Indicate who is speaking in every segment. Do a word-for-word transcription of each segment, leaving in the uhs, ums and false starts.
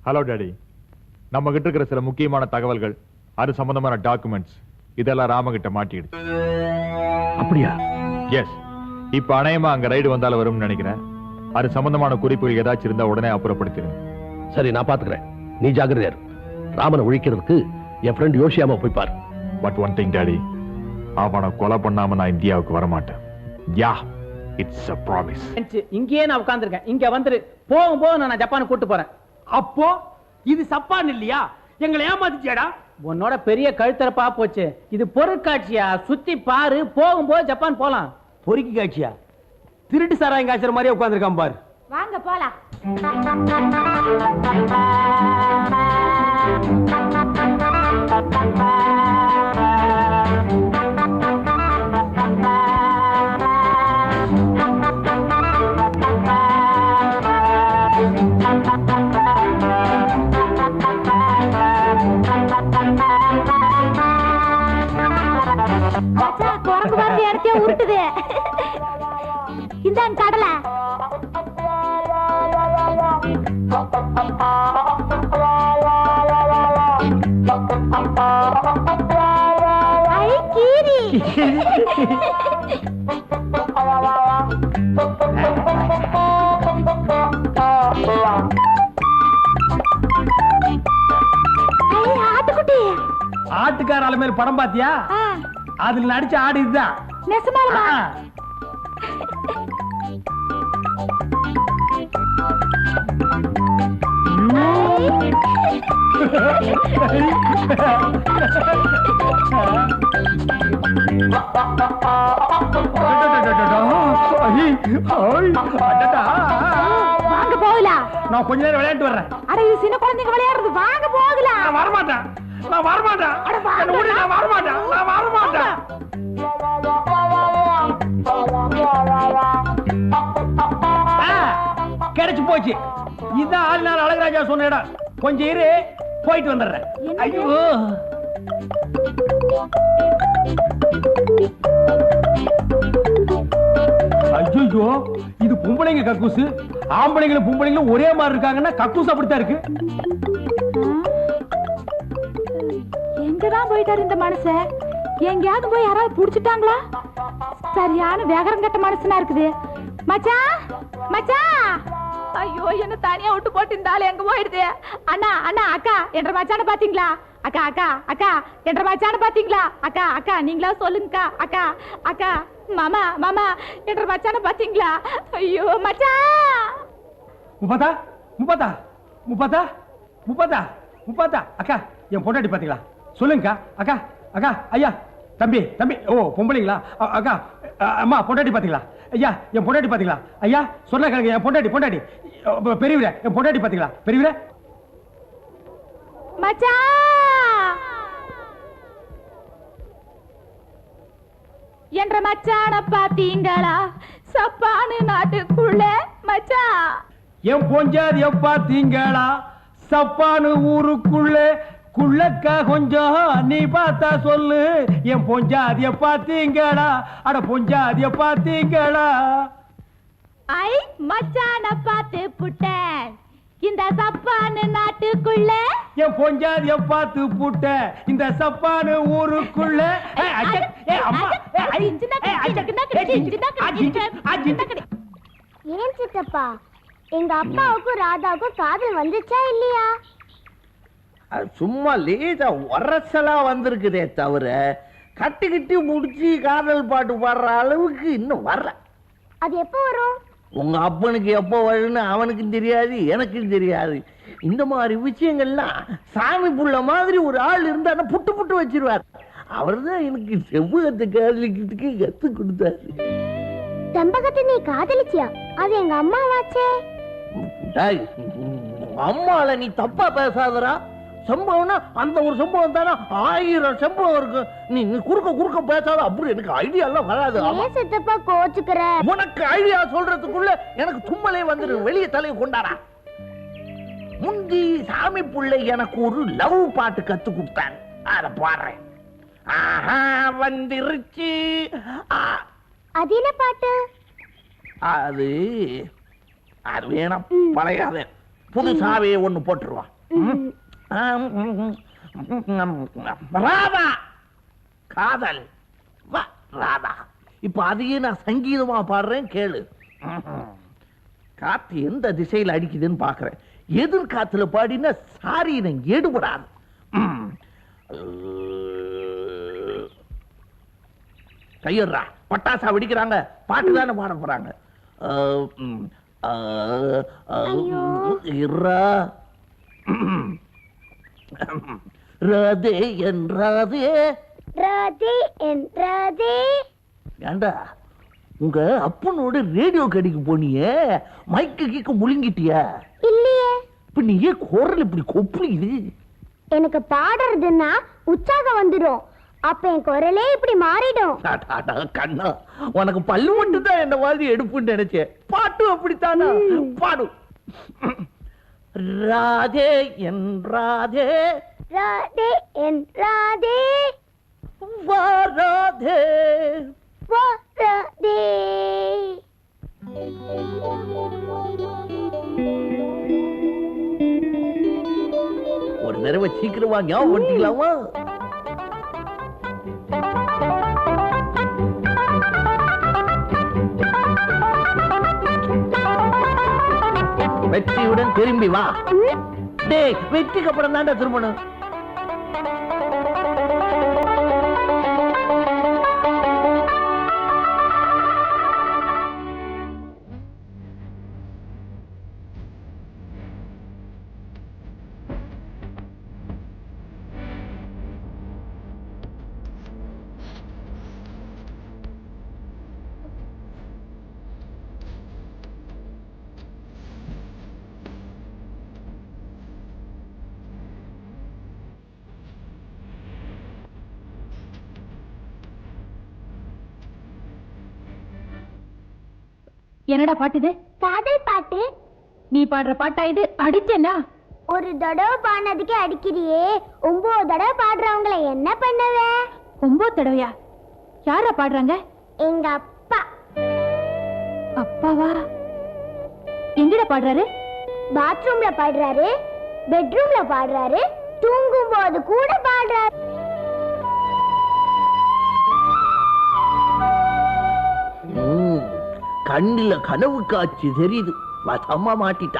Speaker 1: Hello daddy, நம்ம கிட்ட இருக்கிற சில முக்கியமான தகவல்கள், அது சம்பந்தமான டாக்குமெண்ட்ஸ் இதெல்லாம் ராமகிட்ட மாட்டிடுது.
Speaker 2: அப்படியா?
Speaker 1: எஸ். இப்ப அநேகமா அங்க ரைடு வந்தால வரும்னு நினைக்கிறேன். அது சம்பந்தமான குறிப்புகள் ஏதாச்சும் இருந்தா உடனே அப்புறப்படுத்திடுங்க.
Speaker 2: சரி, நான் பாத்துக்கிறேன். நீ ஜாக்கிரதையா இரு. ராமனை ஒழிக்கிறதுக்கு என் ஃப்ரெண்ட் யோசியாம போய் பாரு.
Speaker 1: பட் ஒன் திங் டாடி, அவனை கொலை பண்ணாம நான் இந்தியாவுக்கு வர மாட்டேன். Yeah, it's a promise.
Speaker 3: இங்கேயே நான் உட்கார்ந்திருக்கேன். இங்க வந்துரு. போகும் போது நான் ஜப்பானுக்கு கூட்டு போறேன்.
Speaker 4: அப்போ இது சப்பான் இல்லையா? எங்களை ஏமாத்திச்சியாடா?
Speaker 3: உன்னோட பெரிய கழுத்தரப்பா போச்சு. இது பொருட்காட்சியா, சுத்தி பாரு. போகும்போது ஜப்பான் போலாம்.
Speaker 4: பொறுக்கி காட்சியா? திருட்டு சாராயம் காய்ச்சற மாதிரியே உட்கார்ந்திருக்கான் பாரு.
Speaker 5: வாங்க போலாம். குரங்கு பார்த்து இடத்தையே உருட்டுது. இந்தாங்க கடலை. ஐ கீரி. ஐ ஆட்டுக்குட்டி.
Speaker 4: ஆட்டுக்கார ஆளு மேல படம் பாத்தியா? அதுல நடிச்ச ஆடு இதுதான்.
Speaker 5: நெசமாலுமா? வாங்க போகலாம்.
Speaker 4: நான் கொஞ்ச நேரம் விளையாட்டு வர்றேன்.
Speaker 5: அட இது சின்ன குழந்தைங்க விளையாடுறது. வாங்க போகலாம்.
Speaker 4: நான் வரமாட்டேன். நான் வரமாட்டேன். என்ன விடு, நான் வரமாட்டேன். நான் வரமாட்டேன். கிடைச்சு போச்சு. இதான் ஆளுநாள் அழகராஜா சொன்ன இடம். கொஞ்சம் இரு, போயிட்டு வந்துடுறேன். ஐயோ, ஐயோ, இது பொம்பளைங்க கக்கூசு. ஆம்பளைங்களும் பொம்பளைங்களும் ஒரே மாதிரி இருக்காங்கன்னா கக்கூஸ் அப்படித்தான் இருக்கு.
Speaker 5: எங்கதான் போயிட்டாரு இந்த மனுஷன்? எங்கேயாவது போய் யாராவது புடிச்சிட்டாங்களா? சரியான வேகரம் கட்ட மனுஷனா இருக்குது. மச்சான், மச்சான். ஐயோ, என்ன தனியா விட்டு போட்டு இந்த ஆளு எங்க போயிடுது? அண்ணா, அண்ணா, அக்கா என்ற மச்சான பாத்தீங்களா? அக்கா, அக்கா, அக்கா என்ற மச்சான பாத்தீங்களா? அக்கா, அக்கா நீங்களா சொல்லுங்கக்கா. அக்கா, அக்கா, மாமா, மாமா என்ற மச்சான பாத்தீங்களா? ஐயோ மச்சான்.
Speaker 4: முப்பதா, முப்பதா, முப்பதா, முப்பதா, முப்பதா. அக்கா, என் பொண்டாட்டி பாத்தீங்களா? சொல்லுங்கக்கா. அக்கா, அக்கா, ஐயா, தம்பி, தம்பி. ஓ, பொம்பளைங்களா? அக்கா, அம்மா, பொண்டாட்டி பாத்தீங்களா? ஐயா, என் பொண்டாட்டி பாத்தீங்களா? ஐயா, சொன்ன கேளுங்க. என் பொண்டாட்டி, பொண்டாட்டி பெரியவரே, என் பொண்டாட்டி பாத்தீங்களா? பெரியவரே,
Speaker 5: மச்சான் என்ற மச்சான பாத்தீங்களா? சப்பானு நாட்டுக்குள்ள மச்சான்.
Speaker 4: என் பொஞ்சாதிய பாத்தீங்களா? சப்பானு ஊருக்குள்ள. குள்ளக்கா கொஞ்சம் நீ பார்த்தா சொல்லு. என் பொஞ்சாதிய பாத்தீங்களா? அட பொஞ்சாதிய பாத்தீங்களா?
Speaker 5: ஐ மச்சான பாத்து புட்டேன் இந்த சப்பானு நாட்டுக்குள்ள.
Speaker 4: என் பொஞ்சாதிய பாத்து புட்ட இந்த சப்பானு ஊருக்குள்ள.
Speaker 6: ஏன் சித்தப்பா, எங்க அப்பாவுக்கும் ராதாவுக்கும் காதல் வந்துச்சா இல்லையா?
Speaker 7: சும்மா லேசா உரசலா வந்திருக்குதே தவிர கட்டி முடிச்சு காதல் பாட்டு பாடுற அளவுக்கு இன்னும் வரல.
Speaker 6: அது எப்போ வரும்?
Speaker 7: உங்க அப்பனுக்கு எப்போ வரும்னு அவனுக்கும் தெரியாது, எனக்கும் தெரியாது. இந்த மாதிரி விஷயங்கள்லாம் சாமி புள்ள மாதிரி ஒரு ஆள் இருந்தா புட்டு புட்டு வச்சிருவார். அவர் தான் எனக்கு செவ்வகத்தை காதலிக்கிறதுக்கு கத்து கொடுத்தாரு.
Speaker 6: செம்பகத்தை நீ காதலிச்சியா? அது எங்க அம்மாவாச்சே.
Speaker 7: அம்மால நீ தப்பா பேசாதரா. சம்பவம்னா அந்த ஒரு சம்பவம் தானே, ஆயிரம் சம்பவம் இருக்கு. நீ குறுக்க குறுக்க பேசாத. அப்படி எனக்கு ஐடியா எல்லாம் வராது.
Speaker 6: சித்தப்பா கோச்சுக்கிற.
Speaker 7: உனக்கு ஐடியா சொல்றதுக்குள்ள எனக்கு தும்மலே வந்துரு. வெளியே தலையை கொண்டாடா. முந்தி சாமி புள்ளை எனக்கு ஒரு லவ் பாட்டு கத்து கொடுத்தாங்க. அத பாடுறேன். ஆஹா வந்துருச்சு.
Speaker 6: அது என்ன பாட்டு?
Speaker 7: அது அது வேணாம், பழையாத. புதுசாவே ஒண்ணு போட்டுருவான். ராதா காதல் வா ராதா. இப்ப அதையே நான் சங்கீதமா பாடுறேன் கேளு. காத்து எந்த திசையில் அடிக்குதுன்னு பாக்குறேன். எதிர்காத்துல பாடினா சாரி எடுபடாது. கையறா பட்டாசா வெடிக்கிறாங்க, பாட்டு தானே பாட போறாங்க. ராதே என் ராதே
Speaker 6: ராதே என் ராதே.
Speaker 7: ஏண்டா உங்க அப்பனோட ரேடியோ கடைக்கு போனியே, மைக்கு கீக்க முழுங்கிட்டியா?
Speaker 6: இல்லையே.
Speaker 7: இப்ப நீ ஏன் குரல் இப்படி கொப்புளிக்குது?
Speaker 6: எனக்கு பாடுறதுன்னா உற்சாகம் வந்துடும், அப்ப என் குரலே இப்படி மாறிடும்.
Speaker 7: கண்ணா உனக்கு பல்லு மட்டும் தான் என்ன மாதிரி எடுப்புன்னு நினைச்சேன். பாட்டு அப்படித்தானா? பாடு. ராதே என் ராதே
Speaker 6: ராதே என் ராதே
Speaker 7: வா ராதே
Speaker 6: வா ராதே.
Speaker 7: ஒரு தடவை சீக்கிரமா ஞாபகம் பண்ணிக்கலாமா? வெற்றியுடன் திரும்பி வா. டேய் வெற்றிக்கு அப்புறம் தாண்டா திரும்பணும்.
Speaker 5: என்னடா பாட்டு இது?
Speaker 6: காதல் பாட்டு.
Speaker 5: நீ பாடுற பாட்டா இது? அடிச்சேனா?
Speaker 6: ஒரு தடவை பாடினதுக்கே அடிக்கிறியே, ஒன்பது தடவை பாடுறவங்களை என்ன பண்ணுவ?
Speaker 5: ஒன்பது தடவையா? யாரா பாடுறாங்க?
Speaker 6: எங்க அப்பா.
Speaker 5: அப்பாவா? எங்கடா பாடுறாரு?
Speaker 6: பாத்ரூம்ல பாடுறாரு, பெட்ரூம்ல பாடுறாரு, தூங்கும் போது கூட பாடுறாரு.
Speaker 7: கண்ணில கனவு காட்சி தெரியுது. வசமா மாட்டிட்டா.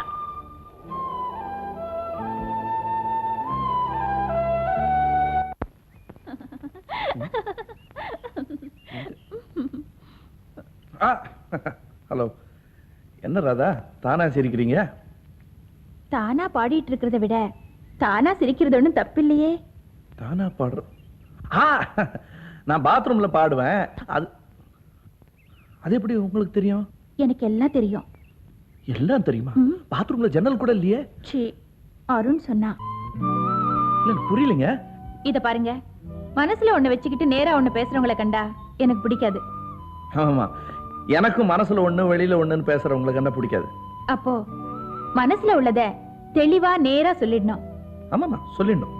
Speaker 8: ஹலோ, என்ன ராதா தானா சிரிக்கிறீங்க?
Speaker 5: தானா பாடிட்டு இருக்கிறத விட தானா சிரிக்கிறது ஒண்ணும் தப்பில்லையே.
Speaker 8: தானா பாடுற? ஆ, நான் பாத்ரூம்ல பாடுவேன். அது அது எப்படி உங்களுக்கு தெரியும்?
Speaker 5: எனக்கு எல்லாம் தெரியும்.
Speaker 8: எல்லாம் தெரியுமா? பாத்ரூம்ல ஜன்னல் கூட இல்லையே.
Speaker 5: சீ, அருண் சொன்னா.
Speaker 8: இல்ல புரியலங்க.
Speaker 5: இத பாருங்க, மனசுல ஒண்ணு வச்சுக்கிட்டு நேரா ஒண்ணு பேசுறவங்களை கண்டா எனக்கு பிடிக்காது.
Speaker 8: ஆமா, எனக்கும் மனசுல ஒண்ணு வெளியில ஒண்ணுன்னு பேசுறவங்களை கண்டா பிடிக்காது.
Speaker 5: அப்போ மனசுல உள்ளத தெளிவா நேரா சொல்லிடணும்.
Speaker 8: ஆமாமா, சொல்லிடணும்.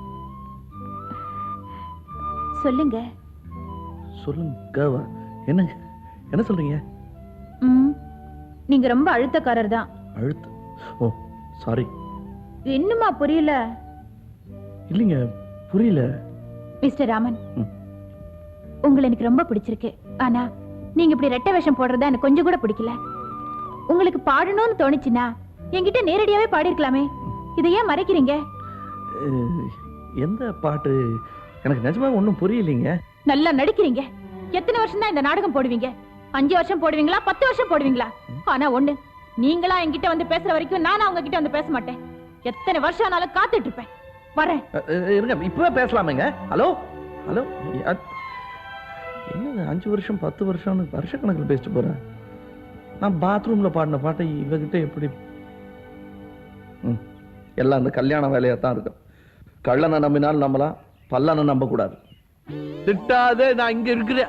Speaker 5: சொல்லுங்க.
Speaker 8: சொல்லுங்க. என்னங்க என்ன சொல்றீங்க?
Speaker 5: ம், நீங்க ரொம்ப அழுத்தக்காரர் தான்.
Speaker 8: அழுத்த? ஓ சாரி.
Speaker 5: இன்னுமா புரியல?
Speaker 8: இல்லைங்க, புரியல.
Speaker 5: மிஸ்டர் ராமன், உங்களை எனக்கு ரொம்ப பிடிச்சிருக்கு. ஆனா நீங்க இப்படி ரெட்டை வேஷம் போடுறதா எனக்கு கொஞ்சம் கூட பிடிக்கல. உங்களுக்கு பாடணும்னு தோணுச்சுன்னா என்கிட்ட நேரடியாவே பாடிருக்கலாமே. இதை ஏன் மறைக்கிறீங்க?
Speaker 8: எந்த பாட்டு? எனக்கு நிஜமா ஒண்ணும் புரியலீங்க.
Speaker 5: நல்லா நடிக்கிறீங்க. எத்தனை வருஷம் தான் இந்த நாடகம் போடுவீங்க? அஞ்சு வருஷம் போடுவீங்களா, பத்து வருஷம் போடுவீங்களா? ஆனா ஒண்ணு, நீங்களா என்கிட்ட வந்து பேசுற வரைக்கும் நானும் அவங்க கிட்ட வந்து பேச மாட்டேன். எத்தனை வருஷம் ஆனாலும் காத்துட்டு இருப்பேன். வரேன்.
Speaker 8: இருங்க, இப்பவே பேசலாமேங்க. ஹலோ ஹலோ, என்ன அஞ்சு வருஷம் பத்து வருஷம் வருஷ கணக்கில் பேசிட்டு போறேன். நான் பாத்ரூம்ல பாடின பாட்டை இவகிட்ட எப்படி? எல்லாம் அந்த கல்யாண வேலையா தான் இருக்கும். கள்ளனை நம்பினாலும் நம்பலாம், பல்லனை நம்ப கூடாது. திட்டாதே, நான் இங்க இருக்கிறேன்.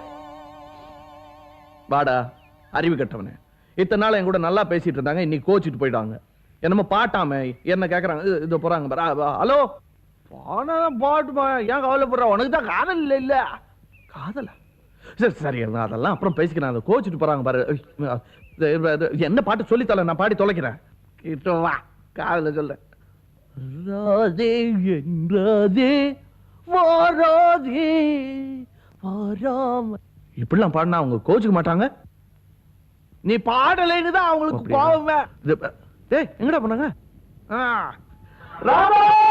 Speaker 8: வாடா அறிவு கட்டவனே. இத்தனை நாள் என் கூட நல்லா பேசிட்டு இருந்தாங்க, இன்னைக்கு கோச்சிட்டு போயிட்டாங்க. என்னமோ பாட்டாம என்ன கேக்குறாங்க. இது போறாங்க. ஹலோ, பாட்டுமா, ஏன் கவலைப்படுற? உனக்கு தான் காதல் இல்ல. இல்ல காதலா? சரி சரி, அதெல்லாம் அப்புறம் பேசிக்கிறேன். அதை கோச்சிட்டு போறாங்க பாரு. என்ன பாட்டு சொல்லித்தல, நான் பாடி தொலைக்கிறேன். கிட்ட வா, காதல சொல்றேன். ராதே என்றாதே வாராதே வாராம. இப்படிலாம் பாடினா அவங்க கோச்சுக்க மாட்டாங்க. நீ பாடலைன்னு தான் அவங்களுக்கு கோவமே. டேய் எங்கடா பண்ணாங்க? ராமா